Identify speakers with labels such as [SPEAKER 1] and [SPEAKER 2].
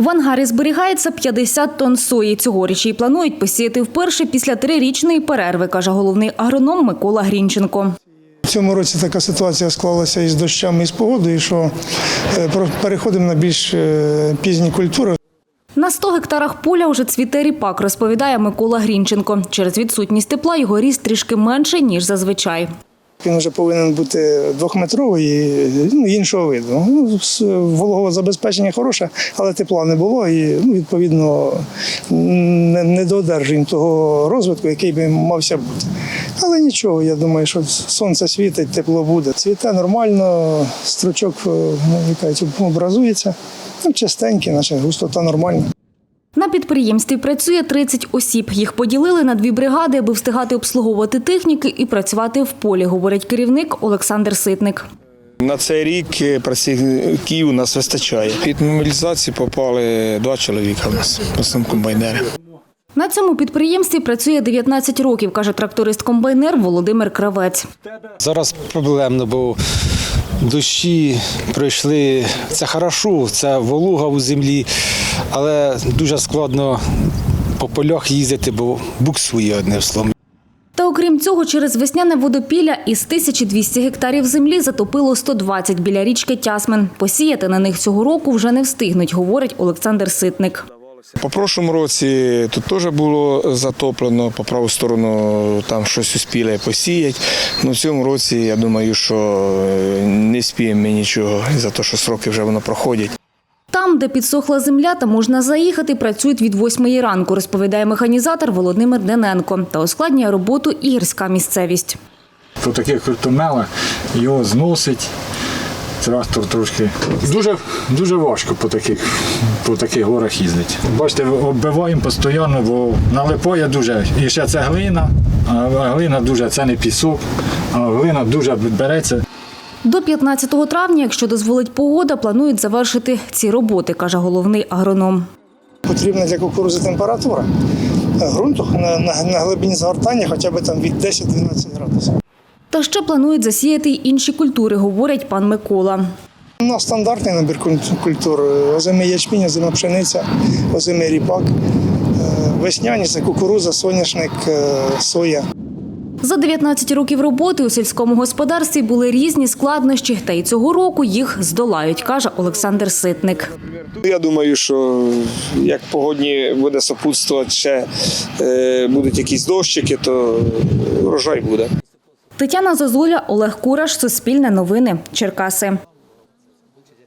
[SPEAKER 1] В ангарі зберігається 50 тонн сої. Цьогоріч її планують посіяти вперше після 3-річної перерви, каже головний агроном Микола Грінченко.
[SPEAKER 2] В цьому році така ситуація склалася із дощами, і з погодою, що переходимо на більш пізні культури.
[SPEAKER 1] На 100 гектарах поля вже цвіте ріпак, розповідає Микола Грінченко. Через відсутність тепла його ріст трішки менше, ніж зазвичай.
[SPEAKER 2] Він вже повинен бути 2-метровий і іншого виду. Вологове забезпечення хороше, але тепла не було і, відповідно, не додержуємо того розвитку, який би мався бути. Але нічого, я думаю, що сонце світить, тепло буде. Цвіте нормально, стручок образується, чистенький, наче густота нормальна.
[SPEAKER 1] На підприємстві працює 30 осіб. Їх поділили на 2 бригади, аби встигати обслуговувати техніки і працювати в полі, говорить керівник Олександр Ситник.
[SPEAKER 3] На цей рік працівників у нас вистачає. Під мобілізацію попали 2 чоловіка у нас, в основному комбайнери.
[SPEAKER 1] На цьому підприємстві працює 19 років, каже тракторист-комбайнер Володимир Кравець.
[SPEAKER 4] Зараз проблемно, бо дощі пройшли, це хорошо, це волога у землі, але дуже складно по полях їздити, бо буксує одне слово.
[SPEAKER 1] Та окрім цього, через весняне водопілля із 1200 гектарів землі затопило 120 біля річки Тясмин. Посіяти на них цього року вже не встигнуть, говорить Олександр Ситник.
[SPEAKER 3] По прошлому році тут теж було затоплено, по праву сторону там щось успіли посіяти. В цьому році, я думаю, що не спіємо ми нічого, за те, що сроки вже воно проходять.
[SPEAKER 1] Там, де підсохла земля та можна заїхати, працюють від 8 ранку, розповідає механізатор Володимир Дененко. Та ускладнює роботу і гірська місцевість.
[SPEAKER 5] По таких крутомелах його зносить. Трактор трошки дуже важко по таких горах їздити. Бачите, оббиваємо постійно, бо налипає дуже. І ще це глина, а глина дуже, це не пісок, а глина дуже береться.
[SPEAKER 1] До 15 травня, якщо дозволить погода, планують завершити ці роботи, каже головний агроном.
[SPEAKER 2] Потрібна для кукурудзи температура ґрунту на глибині згортання хоча б там від 10-12 градусів.
[SPEAKER 1] Та ще планують засіяти й інші культури, говорить пан Микола.
[SPEAKER 2] У нас стандартний набір культур. Озимий ячмінь, озима пшениця, озимий ріпак, весняні – це кукурудза, соняшник, соя.
[SPEAKER 1] За 19 років роботи у сільському господарстві були різні складнощі, та й цього року їх здолають, каже Олександр Ситник.
[SPEAKER 3] Я думаю, що як погодні буде супутствувати, ще будуть якісь дощики, то врожай буде.
[SPEAKER 1] Тетяна Зозуля, Олег Кураш, Суспільне новини, Черкаси.